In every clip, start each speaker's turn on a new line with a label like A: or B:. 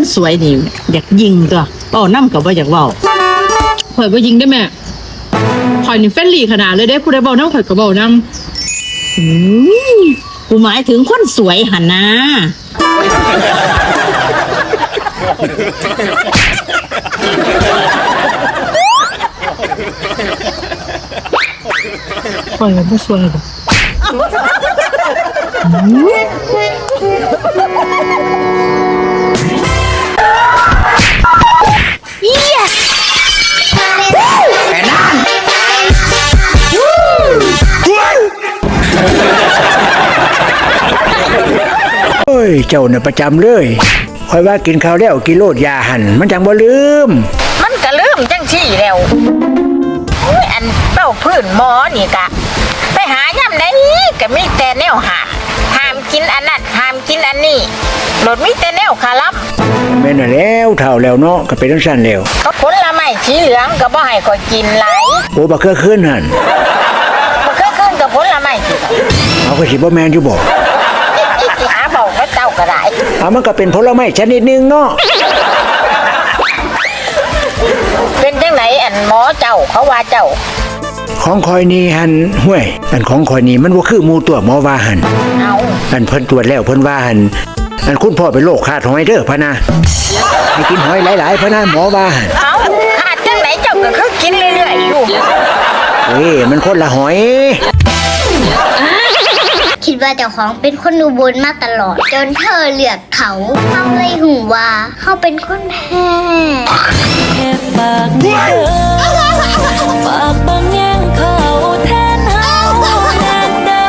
A: คนสวยนี่อยากยิงตัวเว้านำก็บ่อยากเว้า
B: ข่อยบ่ยิงได้แม่ข่อยนี่เฟรนลี่ขนาดเลยเด้ผู้ใดเว้านำข่อยก็เว้านำ
A: กูหมายถึงคนสวยหั่นนะ
B: ข่อยบ่สวยดอก
C: โอ้ยเจ้าเนี่ยประจำเลยคอยว่ากินข้าวแล้วกินโลดยาหันมันจังบ่ลืม
D: มันก็ลืมจังซี่แล้วอันเป้าพื้นหมอนี่กะไปหาย่ำได้ก็มีแต่แนวห้ามกินอันนั้นห้ามกินอันนี้โดดมีแต่แนวคารับ
C: แม่นแล้วเฒ่าแล้วเนาะก็เป็นจังซั่นแล้ว
D: ก็ผลไม้สีเหลืองก็บ่ให้ข่อยกินหลาย
C: โอ้บ่เคยขึ้นหั่น
D: บ่เคยขึ้นกับผลไม้
C: เอาก็สิบ่แม่นอยู่บ่
D: หาเบาก็เจ้าก็ได้
C: มันก็เป็นผลไม้ชนิดนึงเนาะ
D: เป็นจังไหนอันหมอเจ้าเขาว่าเจ้า
C: ของคอยนี่หันห้วยอันของคอยนี่มันบ่คือหมู่ตัวหมอว่าหัน
D: เอา
C: อันเพิ่นตรวจแล้วเพิ่นว่าหันอันคุณพ่อเป็นโรคขาดหอยเด้อพะนะให้กินหอยหลายๆพะนะหมอว่าหัน
D: เอาขาดจังไหนเจ้าก็คือกินเรื่อยๆอยู่
C: มันคนละหอย
E: คิดว่าเจ้าของเป็นคนอุบลมาตลอดจนเธอเลือกเขาเลยหูว่าเขาเป็นคนแพ้
F: ฝากเด้อฝากบางแย่งเขาแทนเฮาแน่เด้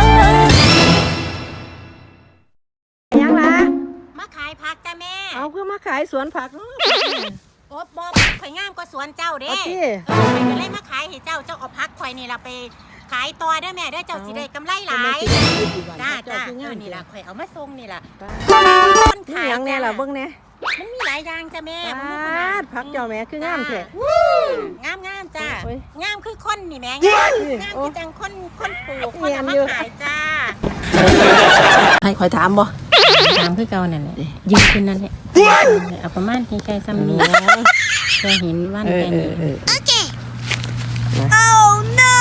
B: อยังล่ะ
D: มาขายผักจ้ะแม่
B: เอาเพื่อมาขายสวนผักเนาะ
D: โอ๊บบ่ข่อยงามกว่าสวนเจ้าเด้
B: ข่
D: อยก็เลยมาขายให้เจ้าเอาผักข่อยนี่ล่ะไปขายต่อเด้อแม่เด้อเจ้าสิได้กำไรหลายจ้านี่ล่ะข่อยเอามาส่งนี่ล่ะ
B: คนขายยังแน่ล่ะเบิ่งแน่
D: มันมีหลายอย่างจ้ะแม่
B: ผักเจ้าแม่คืองามแท้
D: งามจ้างามคือคนนี่แม่งามคือจังคนปลูกคนเอามาขายจ้า
B: ให้ข่อยถามบ่
D: ถามคือเก่านั่นแหละยืนขึ้นนั่นแหละเอาประมาณใกล้ๆซ้ำนี้จะเห็นวันแค่นี้
E: โอเค Oh no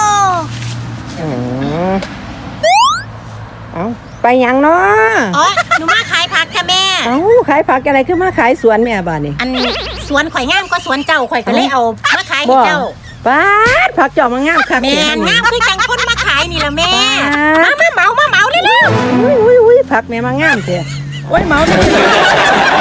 B: เอาไปยังเนาะ
D: อ๋อหนูมาขายผักจ้ะแม่
B: เอาขายผักอะไรคือมาขายสวนแม่บ้านนี่
D: อันสวนข่อยงามก็สวนเจ้าข่อยก็เลยเอามาขายให้เจ้า
B: ป้าผักเจ้ามางามค่ะ
D: แม่งามคือจังคนมาขายนี่ล่ะแม่มาเหมาเร็ว
B: ๆอุ้ยผักแม่มางามแท้โอ้ยเหมา